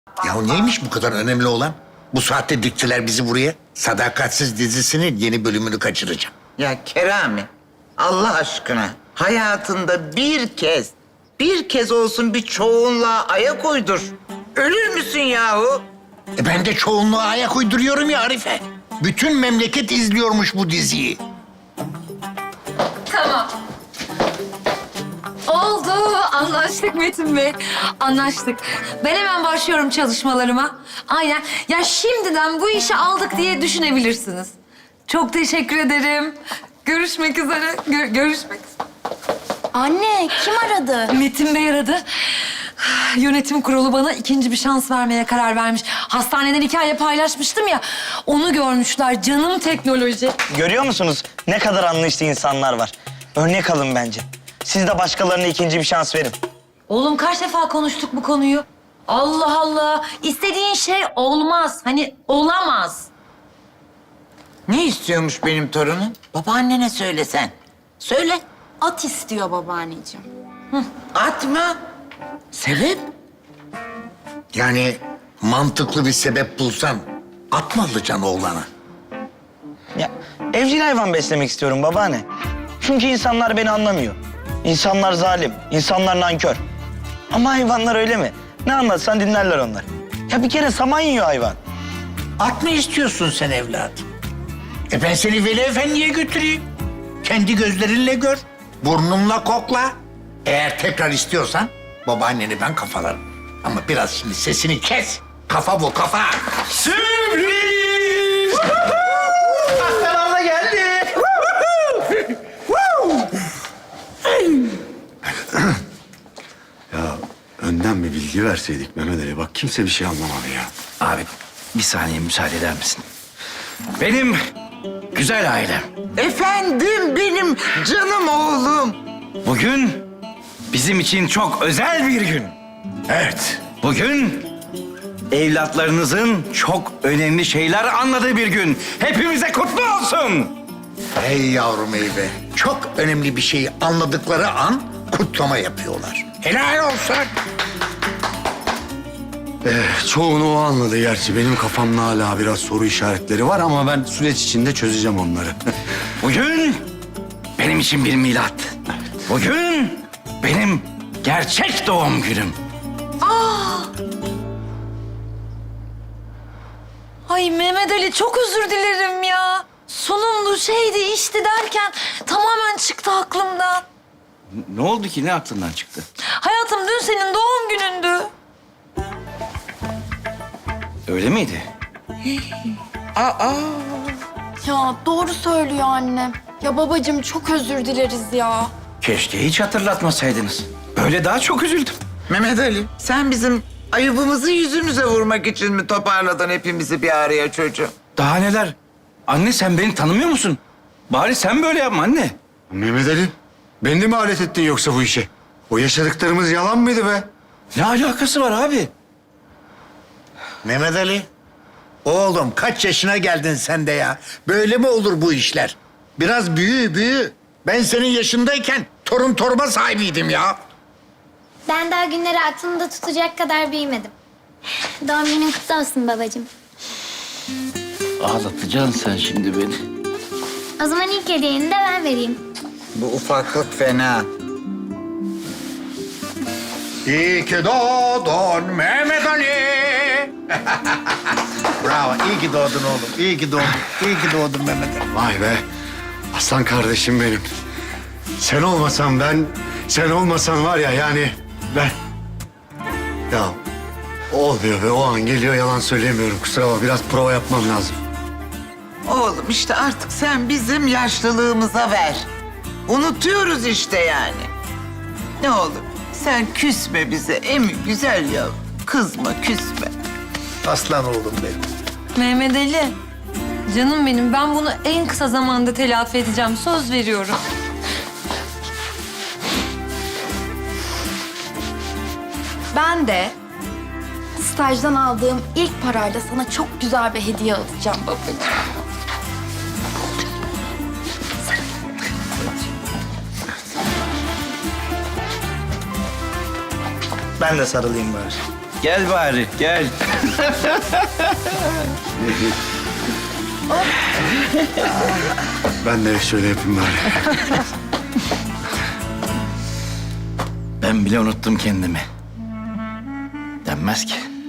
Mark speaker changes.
Speaker 1: Ya neymiş bu kadar önemli olan? Bu saatte diktiler bizi buraya. Sadakatsiz dizisinin yeni bölümünü kaçıracağım.
Speaker 2: Ya Kerami, Allah aşkına hayatında bir kez olsun bir çoğunluğa ayak uydur. Ölür müsün yahu?
Speaker 1: Ben de çoğunluğa ayak uyduruyorum ya Arife. Bütün memleket izliyormuş bu diziyi.
Speaker 3: Tamam. Oldu. Anlaştık Metin Bey. Anlaştık. Ben hemen başlıyorum çalışmalarıma. Aynen. Ya şimdiden bu işi aldık diye düşünebilirsiniz. Çok teşekkür ederim. Görüşmek üzere. Görüşmek üzere.
Speaker 4: Anne, kim aradı?
Speaker 3: Metin Bey aradı. Yönetim kurulu bana ikinci bir şans vermeye karar vermiş. Hastaneden hikaye paylaşmıştım ya. Onu görmüşler. Canım teknoloji.
Speaker 5: Görüyor musunuz ne kadar anlayışlı insanlar var? Örnek alın bence. Siz de başkalarına ikinci bir şans verin.
Speaker 3: Oğlum kaç defa konuştuk bu konuyu? Allah Allah. İstediğin şey olmaz. Hani olamaz.
Speaker 2: Ne istiyormuş benim torunum? Babaannene söylesen. Söyle.
Speaker 4: At istiyor babaanneciğim.
Speaker 2: At mı? Sebep?
Speaker 1: Yani mantıklı bir sebep bulsan at mı alacaksın oğlana?
Speaker 5: Ya evcil hayvan beslemek istiyorum babaanne. Çünkü insanlar beni anlamıyor. İnsanlar zalim, insanlar nankör. Ama hayvanlar öyle mi? Ne anlatsan dinlerler onlar. Ya bir kere saman yiyor hayvan.
Speaker 1: At mı istiyorsun sen evladım? Ben seni Veli Efendi'ye götüreyim. Kendi gözlerinle gör. Burnumla kokla. Eğer tekrar istiyorsan babaanneni ben kafalarım. Ama biraz şimdi sesini kes. Kafa bu kafa.
Speaker 5: Sürpriz! Aslan abla geldi.
Speaker 6: Ya önden bir bilgi verseydik Mehmet Ali. Bak kimse bir şey anlamadı ya.
Speaker 7: Abi bir saniye müsaade eder misin? Benim güzel ailem.
Speaker 2: Efendim benim canım oğlum.
Speaker 7: Bugün bizim için çok özel bir gün.
Speaker 6: Evet.
Speaker 7: Bugün evlatlarınızın çok önemli şeyler anladığı bir gün. Hepimize kutlu olsun.
Speaker 1: Hey yavrum ey be. Çok önemli bir şeyi anladıkları an kutlama yapıyorlar. Helal olsun.
Speaker 6: Çoğunu o anladı gerçi. Benim kafamda hala biraz soru işaretleri var ama ben süreç içinde çözeceğim onları.
Speaker 7: Bugün benim için bir milat. Bugün benim gerçek doğum günüm.
Speaker 3: Ay Mehmet Ali çok özür dilerim ya. Sunumdu şeydi işti derken tamamen çıktı aklımdan.
Speaker 7: Ne oldu ki? Ne aklından çıktı?
Speaker 3: Hayatım dün senin doğum günündü.
Speaker 7: Öyle miydi?
Speaker 4: Ya doğru söylüyor annem. Ya babacığım çok özür dileriz ya.
Speaker 7: Keşke hiç hatırlatmasaydınız. Böyle daha çok üzüldüm.
Speaker 2: Mehmet Ali, sen bizim ayıbımızı yüzümüze vurmak için mi toparladın hepimizi bir araya çocuğum?
Speaker 7: Daha neler? Anne sen beni tanımıyor musun? Bari sen böyle yapma anne.
Speaker 6: Mehmet Ali, beni de mi alet ettin yoksa bu işe? O yaşadıklarımız yalan mıydı be?
Speaker 7: Ne alakası var abi?
Speaker 1: Mehmet Ali. Oğlum kaç yaşına geldin sen de ya? Böyle mi olur bu işler? Biraz büyü. Ben senin yaşındayken torun torba sahibiydim ya.
Speaker 8: Ben daha günleri aklımda tutacak kadar büyümedim. Doğum günün kutlu olsun babacığım.
Speaker 7: Ağlatacaksın sen şimdi beni.
Speaker 8: O zaman ilk hediyeni de ben vereyim.
Speaker 2: Bu ufaklık fena.
Speaker 1: İyi ki doğdun Mehmet Ali. Bravo, iyi ki doğdun oğlum. İyi ki doğdun. İyi ki doğdun Mehmet Ali.
Speaker 6: Vay be. Aslan kardeşim benim. Sen olmasan ben, sen olmasan var ya yani ben... Ya olmuyor be, o an geliyor, yalan söyleyemiyorum. Kusura bakma, biraz prova yapmam lazım.
Speaker 2: Oğlum işte artık sen bizim yaşlılığımıza ver. Unutuyoruz işte yani. Ne olur sen küsme bize emi güzel ya. Kızma küsme.
Speaker 1: Aslan oğlum benim.
Speaker 3: Mehmet Ali. Canım benim ben bunu en kısa zamanda telafi edeceğim. Söz veriyorum.
Speaker 4: Ben de stajdan aldığım ilk parayla sana çok güzel bir hediye alacağım babacığım.
Speaker 5: Ben de sarılayım bari.
Speaker 7: Gel bari, gel.
Speaker 6: Ben de şöyle yapayım bari.
Speaker 7: Ben bile unuttum kendimi. Denmez ki.